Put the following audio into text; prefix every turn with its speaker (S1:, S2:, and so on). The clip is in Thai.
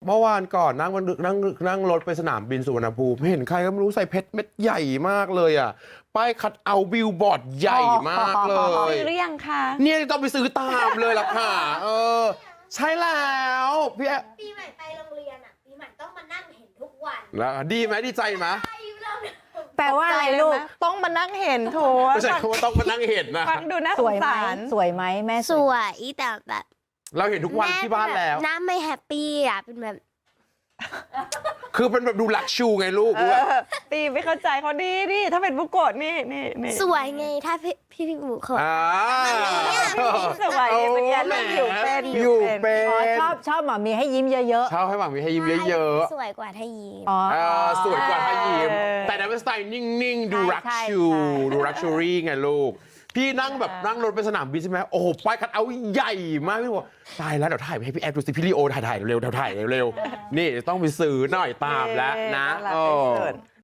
S1: เมื่อวานก่อนนั่งรถไปสนามบินสุวรรณภูมิเห็นใครก็ไม่รู้ใส่เพชรเม็ดใหญ่มากเลยอ่ะป้ายคัดเอาบิลบอร์ดใหญ่มากเลย
S2: ซื้อหรือยังคะ
S1: เนี่ยต้องไปซื้อตามเลยล่ะค่ะใช่แล้วพี่
S3: ปีใหม่ไปโรงเรียนอ่ะปีใหม่ต้องมานั่งเห็นทุกวัน
S1: แล้วดีไหมดีใจไหม
S4: แปลว่าอะไรลูกต้องมานั่งเห็นโถ
S1: ไม่ใช่คำว่าต้องมานั่งเห็นนะ
S2: ฟังดูน่า
S4: ส
S2: ส
S4: วย
S2: ง
S4: ไหม
S2: สาร
S4: สวยไหมแม่
S3: สวยแต่แบบ
S1: เราเห็นทุกวันที่บ้านแล้ว
S3: น้ำไม่แฮปปี้อ่ะเป็นแบบ
S1: คือเป็นแบบดูลักชูไงลูก
S2: ตีไม่เข้าใจเขาดีถ้าเป็นบุโกะนี่
S3: สวยไงถ้าพี่บุเขา
S2: สวยเป็นยันลูกอยู่เป็น
S1: อยู่เป็น
S4: อ๋อชอบหมามีให้ยิ้มเยอะ
S1: ชอบให้หวังมีให้ยิ้มเยอะ
S3: สวยกว่าถ้ายิ้ม
S4: ๆอ๋อ
S1: สวยกว่าถ้ายิ้มแต่ในเป็นสไตล์นิ่งๆดูรักชูดูรักชูรี่ไงลูกพี่นั่งรถไปสนามบินใช่ไหมโอ้โหป้ายคัดเอาใหญ่มากพี่บอกตายแล้วเดี๋ยวถ่ายไปให้พี่แอฟดูสิพี่ลีโอถ่ายเร็วๆนี่ต้องไปซื้อหน่อยตามแล้วนะ